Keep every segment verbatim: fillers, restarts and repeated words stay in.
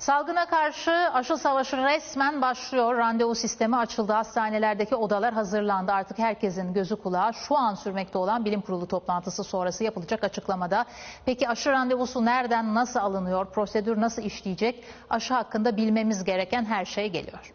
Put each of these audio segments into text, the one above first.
Salgına karşı aşı savaşı resmen başlıyor. Randevu sistemi açıldı. Hastanelerdeki odalar hazırlandı. Artık herkesin gözü kulağı şu an sürmekte olan bilim kurulu toplantısı sonrası yapılacak açıklamada. Peki aşı randevusu nereden, nasıl alınıyor? Prosedür nasıl işleyecek? Aşı hakkında bilmemiz gereken her şey geliyor.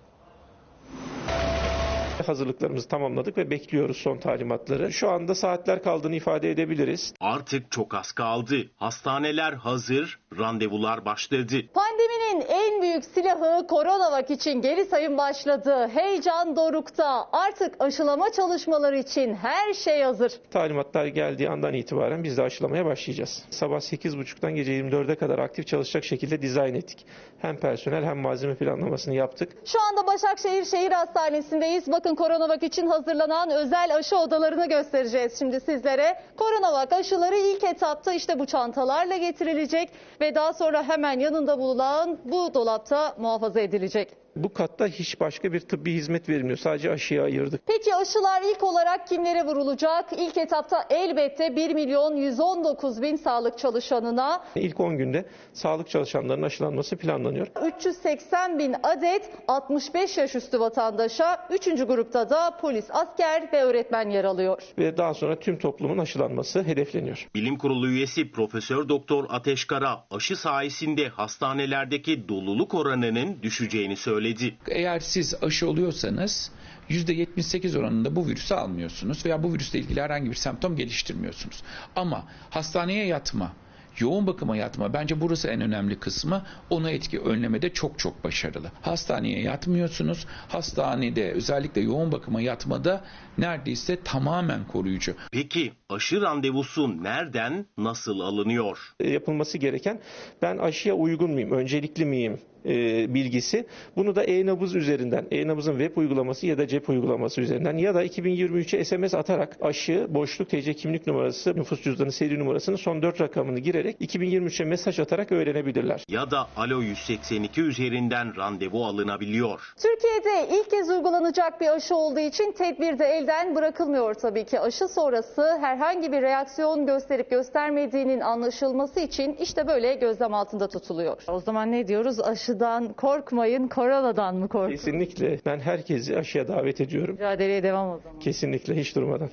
Hazırlıklarımızı tamamladık ve bekliyoruz son talimatları. Şu anda saatler kaldığını ifade edebiliriz. Artık çok az kaldı. Hastaneler hazır, randevular başladı. Pandeminin en büyük silahı Coronavac için geri sayım başladı. Heyecan dorukta. Artık aşılama çalışmaları için her şey hazır. Talimatlar geldiği andan itibaren biz de aşılamaya başlayacağız. Sabah sekiz buçuktan gece yirmi dörde kadar aktif çalışacak şekilde dizayn ettik. Hem personel hem malzeme planlamasını yaptık. Şu anda Başakşehir Şehir Hastanesi'ndeyiz. Bakın Coronavac için hazırlanan özel aşı odalarını göstereceğiz şimdi sizlere. Coronavac aşıları ilk etapta işte bu çantalarla getirilecek ve daha sonra hemen yanında bulunan bu dolapta muhafaza edilecek. Bu katta hiç başka bir tıbbi hizmet verilmiyor. Sadece aşıya ayırdık. Peki aşılar ilk olarak kimlere vurulacak? İlk etapta elbette bir milyon yüz on dokuz bin sağlık çalışanına. İlk on günde sağlık çalışanlarının aşılanması planlanıyor. üç yüz seksen bin adet altmış beş yaş üstü vatandaşa, üçüncü grupta da polis, asker ve öğretmen yer alıyor. Ve daha sonra tüm toplumun aşılanması hedefleniyor. Bilim Kurulu üyesi Profesör Doktor Ateş Kara aşı sayesinde hastanelerdeki doluluk oranının düşeceğini söyledi. Eğer siz aşı oluyorsanız yüzde yetmiş sekiz oranında bu virüsü almıyorsunuz veya bu virüsle ilgili herhangi bir semptom geliştirmiyorsunuz. Ama hastaneye yatma, yoğun bakıma yatma, bence burası en önemli kısmı, onu etki önlemede çok çok başarılı. Hastaneye yatmıyorsunuz, hastanede özellikle yoğun bakıma yatmada neredeyse tamamen koruyucu. Peki aşı randevusu nereden, nasıl alınıyor? Yapılması gereken, ben aşıya uygun muyum, öncelikli miyim e, bilgisi. Bunu da e-nabız üzerinden, e-nabızın web uygulaması ya da cep uygulaması üzerinden ya da iki bin yirmi üçe S M S atarak aşı, boşluk, T C kimlik numarası, nüfus cüzdanı seri numarasının son dört rakamını girerek iki bin yirmi üçe mesaj atarak öğrenebilirler. Ya da Alo yüz seksen iki üzerinden randevu alınabiliyor. Türkiye'de ilk kez uygulanacak bir aşı olduğu için tedbir de elden bırakılmıyor tabii ki. Aşı sonrası herhangi bir reaksiyon gösterip göstermediğinin anlaşılması için işte böyle gözlem altında tutuluyor. O zaman ne diyoruz? Aşıdan korkmayın, koronadan mı korkun? Kesinlikle. Ben herkesi aşıya davet ediyorum. Mücadeleye devam o zaman. Kesinlikle, hiç durmadan.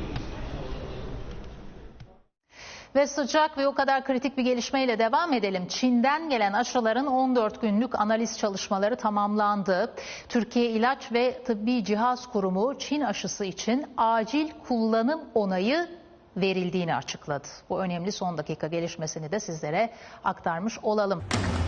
Ve sıcak ve o kadar kritik bir gelişmeyle devam edelim. Çin'den gelen aşıların on dört günlük analiz çalışmaları tamamlandı. Türkiye İlaç ve Tıbbi Cihaz Kurumu Çin aşısı için acil kullanım onayı verildiğini açıkladı. Bu önemli son dakika gelişmesini de sizlere aktarmış olalım.